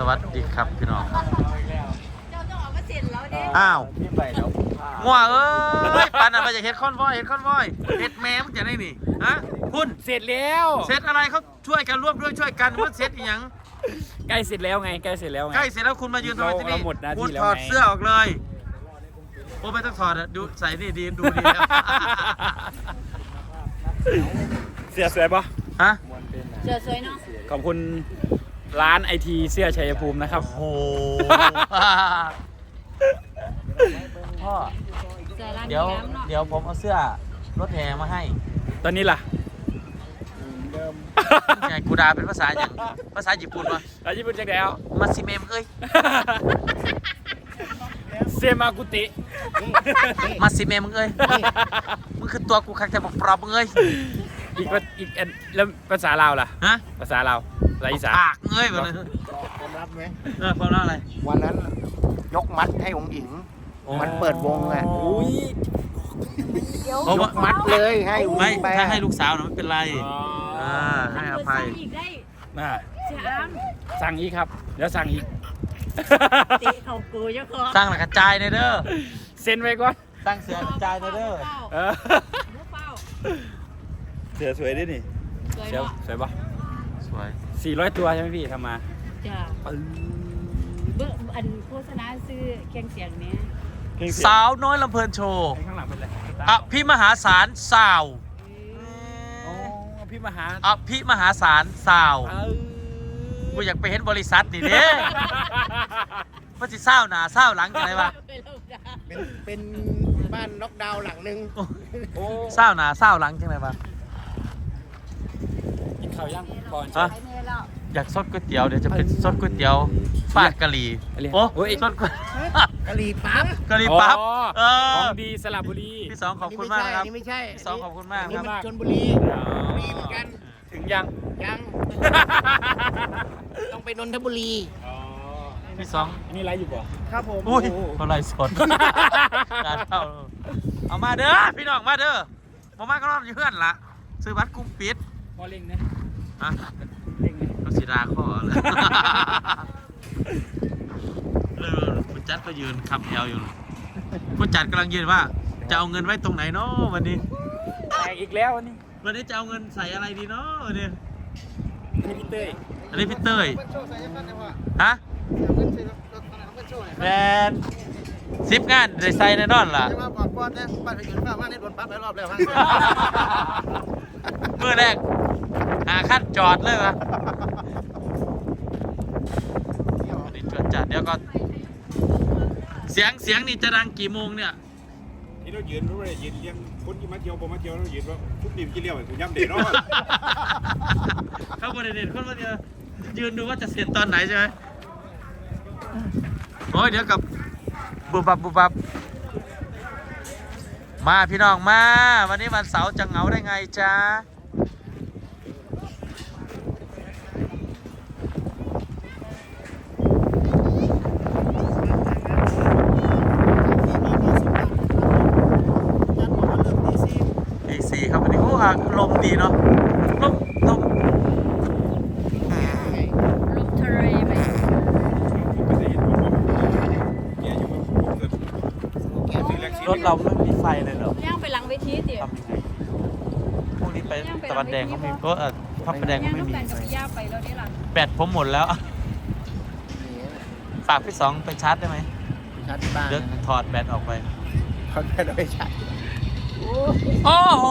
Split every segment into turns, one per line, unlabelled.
วัสดีครับพี่น้อง
เจ้าต้องออกมาเสร็จแล้วเนี่ย
อ้าว
พี่ใบแล้ว
งัวเอ้ยปันอะไรจะเฮ็ดคอนวอยเฮ็ดแม่มึงจะได้นี่ฮะคุณ
เสร็จแล้ว
เสร็จอะไรเขาช่วยกันร่วมด้วยช่วยกันว่าเสร็จอีหยัง
ใกล้เสร็จแล้วไงใกล้เสร็จแล้วไง
ใกล้เสร็จแล้วคุณมายืนทำไมที่นี่
เราหมดหน้าที่
คุณ
แล้ว
ถอด
ไง
เสื้อออกเลยโอ้ไม่ต้องถอดอะดูใส่นี่ดีดูดีแล้ว
เสื้อสวยปะ
ฮะ
เจอสวยเนาะ
ขอบคุณร้านไอทีเสื้อชัยภูมินะครับ
โอ้โหพ่อ
เจอร้าน
เดี๋ยว
น้ำเนาะ
เดี๋ยวผมเอาเสื้อรถแห่มาให้
ตอนนี้ล่ะ
ไงกูดาเป็นภาษาอย่างภาษาญี่ปุ่นวะ
ร้านญี่ปุ่นจังแล้ว
มาซิเมมเอ้ย
เซมากุติ
มาซิเมมเอ้ยมึงคือตัวกูคักแต่บอกปลอบมึงเอ้ย
อีกอันแล้วภาษาลาวล่ะ
ฮะ
ภาษาลาวภาษาอีสาน
ปากเอ้ยแบบนี้
ความลับไหม
ความรักอะไร
วันนั้นยกมัดให้องค์หญิง มันเปิดวงอ่ะ
อุ้ย
เพราะว่า
มัดเลยให้องค์ห
ไม่
ญิงไป
ถ้าให้ลูกสาวนะไม่เป็นไร
อ๋อ
ให้อภัย
อีกได้
น่า
เสียอ้าม
สั่งอีกครับเดี๋ยวสั่งอีก
ติเขากูเจ้าของ
สร้างหลักกระจายในเด้อ
เซ็นไว้ก่อน
ตั้งเสือกระจายในเด้อ
เออ
เฝ้า
เสือสวยดินี่
สวย
เสือ
เนาะ
สวยปะ
สวย
400 ตัวใช่ไหมพี่ทำมา
จ้าเบื้องอันโฆษณาซื้อเคียงเสียงเนี้ย
สาวน้อยลำเพลินโชว์
ข้างหลังเป็นอะไร
อภิมหาศาลสาว
อ๋อพี่มหา
อภิมหาศาลสาว
เออ
กูอยากไปเห็นบริษัทนี่เด้ว่าสิเศร้าหนาเศร้าหลังจังไรวะ
เป็นบ้านน็อกดาวน์หลังหนึ่ง
โอ้
เศร้าหนาเศร้าหลังจังไรวะ
กินข้าวยังก่อน
ฮะ อยากซดก๋วยเตี๋ยวเดี๋ยวจะเป็นซดก๋วยเตี๋ยวฟาดกะหรี่โอ้ซดก๋วย
กะหรี่ปั๊บ
กะหรี่ปั๊บเอ
ข
อ
องดีสระบุรี
พี่สองขอบคุณมากนะครับ
อันนี้ไม่ใช่
พี่สองขอบคุณมาก
อัน
ค
นี้
รับ
มันชลบุรีบุรีเหมือนกัน
ถึงยัง
ยัง ต้องไปนนทบุรี
อ๋อ
พี่สอง
อันนี้ไลฟ์อยู่ป่ะ
ครับผม
อุ้ยเขาไล่สดการเข้าเอามาเด้อพี่น้องมาเด้อมามาก็รอบอยู่เพื่อนละซื้อบัตรกุ้งปิด
พอเล่งนะ
ฮะ
เล่งนะ
ก็สีดาข้อเลยผู้จัดก็ยืนขับแถวอยู่ผู้จัดกำลังยืนว่าจะเอาเงินไว้ตรงไหนเนาะวันนี้
แตกอีกแล้วอันนี้
วันนี้จะเอาเงินใส่อะไรดีเนาะวันนี้
นี่พี่เต้ย
อันนี้พี่เต้ยฮะแมนซิปงานได้ใส่แน่นอนล่ะ
มาบอกก่อนนะบ้านไปอยู่ข้างบ้านนี่โดนปั๊บหลายรอบแล้ว
เมื่อแรกหาขั้นจอดเลยวะวันนี้จอดจัดเดี๋ยวก็เสียงนี่จะดังกี่โมงเนี่ย
ที่เรายืนรู้เลยยืนเลี้ยงคนที่มาเที่ยวบ่มาเที่ยวเรายืนว่าทุกดิมกี่เลี้ยวกูย้ำเด็ดเนาะ
เข้าประเด็นคนมาเดียวยืนดูว่าจะเสร็จตอนไหนใช่ไหมโอ้ยเดี๋ยวกับบุบบับมาพี่น้องมาวันนี้วันเสาร์จะเหงาได้ไงจ๊ะตีสี่ครับวันนี้โอ้ลมดีเนาะลม
ลมทะเลไป
รถเราไม่มีไฟเลยเหรอย่าง
ไปหลังเวทีเตี๋ยว
ทำยังไงพรุ่งนี้ไปตะวันแดงเขามีเพราะพระประแดง
ย่า
เขา
ง
ไม่
ต้อง
มี
การกับพี่ย่าไปแล้วนี่ล่ะ
แบตผมหมดแล้ว ฝากพี่สองไปชาร์จได้ไหม
ชาร์จที่บ้าน
เดี๋ยวถอดแบตออกไป
เขาได้ไปชาร์จ
โอ้โห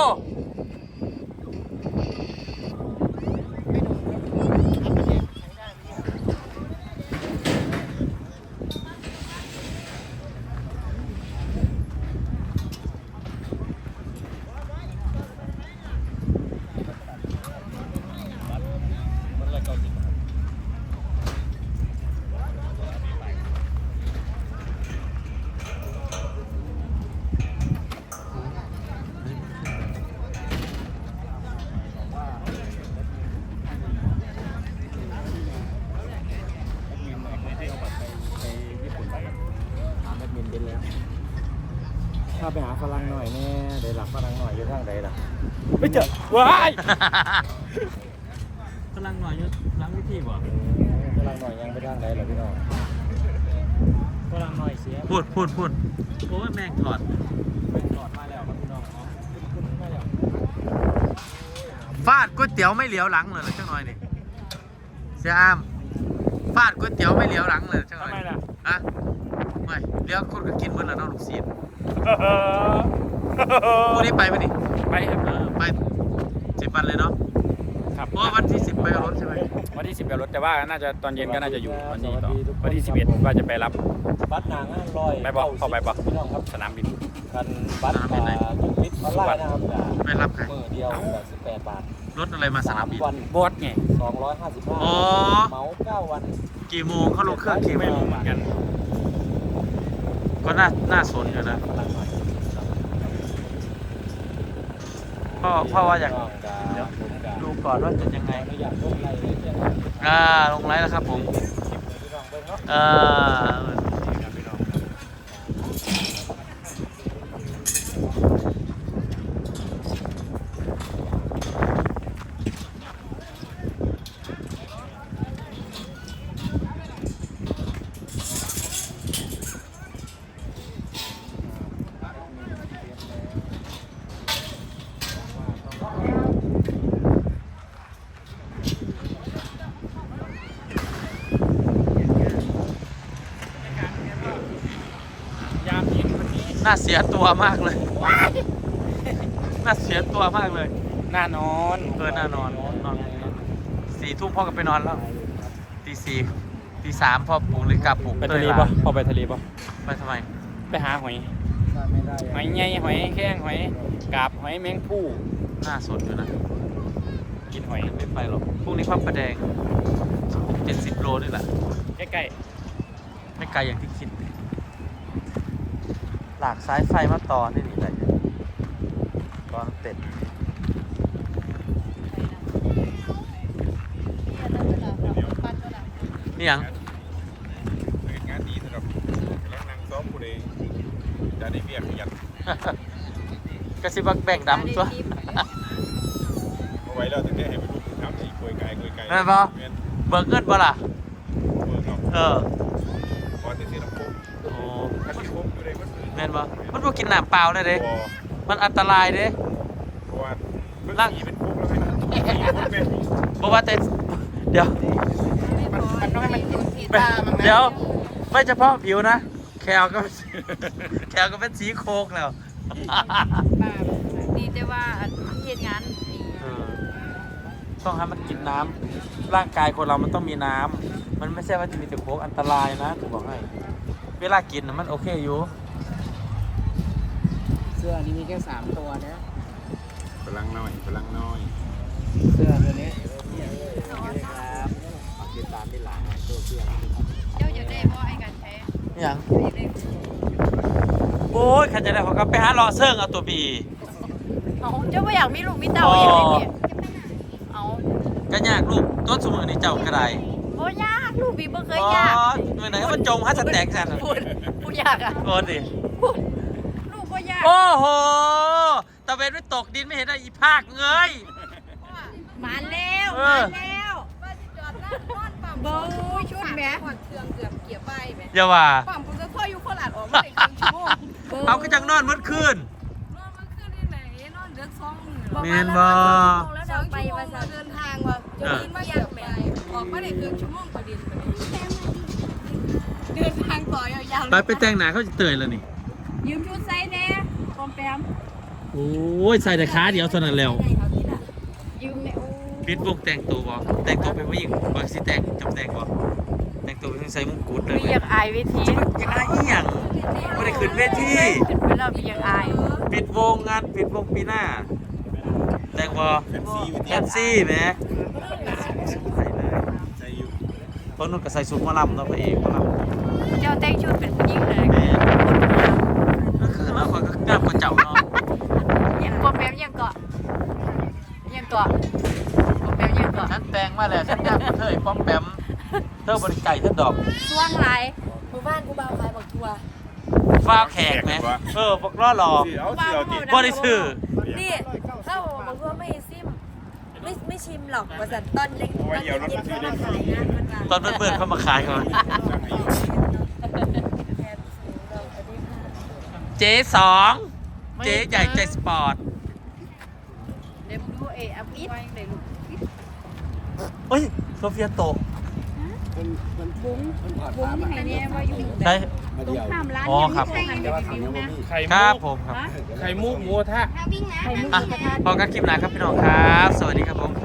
ถ้าไปหาฝรั่งหน่อยแน่เดี๋ยวหลักฝรั่งหน่อยอยู่ทางใดล่ะไม่เจอว้าย
กำลังหน่อยอยู่หลังวิธีบ่
ฝรั่งหน่อยยังไม่ได้างใดเหรอพี่น้องฝรั่งหน่อยเสีย
พูดโอ้ยแม่งถอด
ถอดมาแล้วครับพี่น้องเนาะคุณมาแล้ว
ฟาดก๋วยเตี๋ยวไม่เหลียวหลังเลยเหรอเจ้าหน่อยนี่เสียอามฟาดก๋วยเตี๋ยวไม่เหลียวหลังเลยเจ้าหน่อย
ทำไมล่ะ
ฮะไม่เลี้ยวคนก็กินเหมือนแล้วน้องลูกศิษย์พรุ่งนี้ไปไหมนี่
ไปครับ
ไป10 วันเลยเนาะ
ครับ
เพราะว่าวันที่10ไปกับรถใช่ไหม
วันที่10ไปรถแต่ว่าน่าจะตอนเย็นก็น่าจะอยู่วันนี้ต่อวันที่11ว่าจะไปรับ
บัตรหนางานลอย
ไปบอกเข้าไปบอก
พี่น้องครับ
สนามบิน
กันบัตรจุดมิตรออนไลน์นะครับ
ไม่รับใคร
มือเดียว18 บาท
รถอะไรมาสนามบิน
วัน
บอสไง
255
อ๋อ
เหมา9 วัน
กี่โมงเขาลงเครื่องกี่โม
ไม่
ง
รู้เหมือนกัน
ก็น่าสนอยู่นะ
พลังหน่อย
พ่อว่าอยาก
เดี๋ยวผมจะ
ดูก่อนว่าจะยังไง
ไม่อยากลงไลน์เลยเนี่ย
ลงไลน์แล้วครับผม
พี่น้องเบิ่งเนาะ
ยามเย็นวันนี้
น่าเสียตัวมากเลย น่าเสียตัวมากเลย
น่านอน
น่านอน4 ทุ่มพ่อก็ไปนอนแล้วตี 4ตี 3พ่อปลุกเลยกลับปลุก
ไปทะเลปะพอไปทะเลปะ
ไปทำไม
ไปหาหอยหอยใหญ่หอยแข้งหอยกาบหอยแมงผู้
น่าสนอยู่นะ
กินหอย
ไม่ไปหรอกพรุ่งนี้พระประแดง70 โลนี่แหละ
ใกล้
ไม่ไกลอย่างที่คิด หลากสายไฟมาต่อนี่นี่ไรตอนเต็ดนี่ยัง
งานดีสำหรับแล้วนางซ้อมผู้ใดจะได้เบี้ยขยัน
กระซิบว่าแบ่งดำตัว
เอาไว้แล้วถึงได้ให้ไปดูน้ำที่กล้วยไก่กล้วยไก่
แม่นบ่
แม่น
เบิกเงินบ่ล่ะ
เบิกเนาะ
เออ
พอจะซื้อน้ำโค้ง
โอ้
ถ้าที่โค้งอยู่ในวัด
แม่นบ่มันบ่กินน้ำเปล่าได้เด้
พอ
มันอันตรายเด้
เพราะว่าเบิ่งสีเป็นโค้งแล้วให้มันสีโค้งเป็น
บ่ว่าแต่เดี๋ยว
มันต้องให้มันกินสีตามันนะ
เดี๋ยว ไม่เฉพาะผิวนะ แคลก็ แคลก็เป็นสีโคกแล้ว
ดีแต่ว่าเฮ็ดงาน
ต้องให้มันกินน้ำร่างกายคนเรามันต้องมีน้ำมันไม่ใช่ว่าจะมีแต่โค้กอันตรายนะกูบอกให้เวลากินน่ะมันโอเคอยู่
เสื้อนี้มีแค่3ตัวนะ
พลังน้อยพลังน้อย
เสื้อตัวนี้ครับติดตามได้หลายตัวเสื้อ
เจ้าจะได้บ่ไอ้กันแท้
อย่างโอ้ยใครจะได้ผมก็ไปหารอเซิร์งเอาตัวบี
เอาเจ้าบ่อยากมีลูกมีเต้าอีกเลยเนี่ยเอา
ก็ยากลูกต้นสมุนนี่เจ้ากระได
บ่ยากลูกพี่บ่เคย
อ๋อย
าก
เมื่อไหร่มันจมฮัสแตกแซน
พูดผู้ยากอ่ะ
โอ้ดิ
ลูกบ่ยาก
โอ้โหตะเวนไม่ตกดินไม่เห็นได้อีภาคเงย
มาแล้ว
เอ
มา
อ
แล้วว่าสิจอดนั่งนอนปั๊มบ่ชุดแหมขอดเครื่องเกือบเกียบใบแหม
อย่าว่า
ปั๊มผมจะค่อยอยู่โคราชออกมาได้ครึ่งชั่วโมง
เอาก็จังนอนมืดคืน
นอนมันขึ้นที่ไหนนอนเดือด2 มื้อ
แม่นบ่
แล้วเราไปว่าจะเดินทางว่าจะกินมาอย่างแหมออกมาได้ครึ่งชั่วโมงพอดีเดินทางต่อยาวๆ
ไปแต่งหนาเขาจะเตยแล้วนี่
ยืมชุดไซส์แน่ปอมแปม
โอ้ยใส่แต่ขาเดียวเท่านั้นแล้ว
ยืมแน่โอ้
ปิดวงแต่งตัวบ่แต่งตัวเป็นผู้หญิงบ่สิแต่งจำแต่งบ่แต่งตัวเป็นใส่มงกุฎเลย
มีอยากอายเวที
จะมาอีหยังบ่ได้ขึ้นเวที
ขึ้นไปแล้วมีอยากอาย
ปิดวงงานปิดวงปีหน้า แต่งบ่
แฟนซีวิ
แคปซี่แหมใส่เลย
ใจอยู่
ตอนนู้นก็ใส่สูทหมอลำเนาะพระเอกหมอลำ
เจ้าแต่งชุดเป็นผู้หญิงเลย
แม่ก็คือแล้วคนก็กล้ามกว่าเจ้าเนาะ
ยังปอมแปมยังเกาะยังเกาะปอมแปมยังเกาะ
ฉันแต่งมาแล้วฉันกล้ามกว่าเธอไอ้ป้อมแปมเธอบริไก่เธอดอก
ช่วงไรหมู่บ้านกูบ่าวขายบักทัว
ฟ้าวแขกไหมบอกล้อหลอก
เอาสิเอาจิ
บ่ได้ซื้อ
นี่เข้าบักทัวไม่ซิม
ไม่ชิมหรอกว่าสันตอนเล็กตอนเย็นๆเข้ามาขายนะมันว่า
ตอนเพื่อนๆเข้ามาขายก่อนเจ๊สองเจ๊ใหญ่ใจสปอร์ต
เดี๋ยวมึงดูอัพอิทเดี๋ยวลูก
เฮ้ยโซเฟียโตะ
บุ้งไข่เนี่ยว่าอยู่
ใช่
ตรงข้ามร้าน
อ๋อครับ
ยังไม่ใช่รีวิวนะ
ครับผมครับ
ไข่มุกหมูทะ
ไข่มุกกระทะ
พอกันคลิปหน้าครับพี่น้องครับ สวัสดีครับผม